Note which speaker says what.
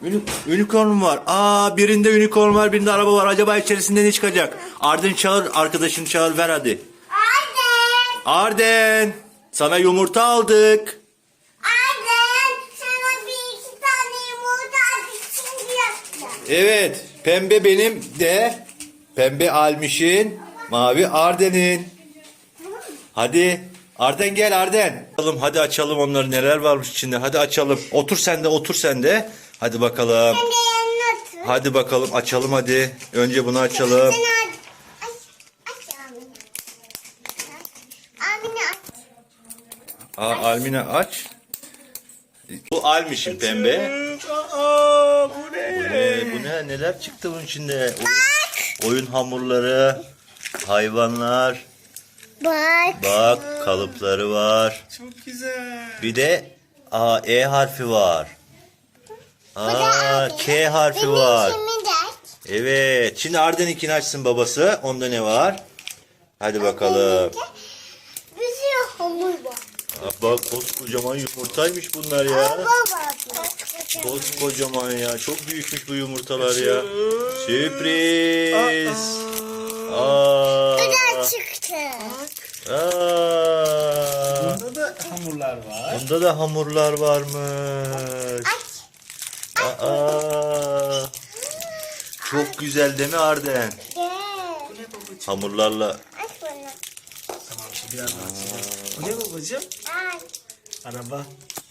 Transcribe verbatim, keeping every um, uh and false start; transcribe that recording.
Speaker 1: Uni unicorn var. Aa, birinde unicorn var, birinde araba var. Acaba içerisinde ne çıkacak? Arden çağır, arkadaşını çağır, ver hadi.
Speaker 2: Arden.
Speaker 1: Arden, sana yumurta aldık.
Speaker 2: Arden. Sana bir iki tane yumurta aldık. Şimdi yapacağım.
Speaker 1: Evet, pembe benim de, pembe Almiş'in, mavi Arden'in. Hadi Arden, gel Arden. Açalım, hadi açalım onları, neler varmış içinde. Hadi açalım. Otur sen de, otur sen de. Hadi bakalım.
Speaker 2: Sen de yanına otur.
Speaker 1: Hadi bakalım açalım hadi. Önce bunu açalım.
Speaker 2: Sen aç. Aç. Aç Amine. Amine aç.
Speaker 1: Aa, Almina aç. Bu Almiş'in pembe.
Speaker 3: Aa, bu ne?
Speaker 1: Bu ne? Bu ne? Neler çıktı bunun içinde? Oyun, oyun hamurları, hayvanlar.
Speaker 2: Bak.
Speaker 1: Bak, kalıpları var.
Speaker 3: Çok güzel.
Speaker 1: Bir de A, E harfi var. Aa, K harfi var.
Speaker 2: Benim de aç.
Speaker 1: Evet. Şimdi Arden'inkini açsın babası. Onda ne var? Hadi bakalım.
Speaker 2: Bir sürü hamur var.
Speaker 1: Aa, bak, koskocaman yumurtaymış bunlar ya.
Speaker 2: Baba.
Speaker 1: Koskocaman ya. Çok büyükmüş bu yumurtalar ya. Sürpriz. Aa.
Speaker 2: Bu da çıktı.
Speaker 1: Aa.
Speaker 3: Bunda da hamurlar var.
Speaker 1: Bunda da hamurlar varmış.
Speaker 2: Aç.
Speaker 1: Aa. Çok güzel değil mi Arden?
Speaker 2: Gel.
Speaker 3: Bu ne babacığım?
Speaker 1: Hamurlarla.
Speaker 2: Aç bunu.
Speaker 3: Tamam şimdi birazdan açacağım. Bu ne babacığım?
Speaker 2: Aç.
Speaker 3: Araba.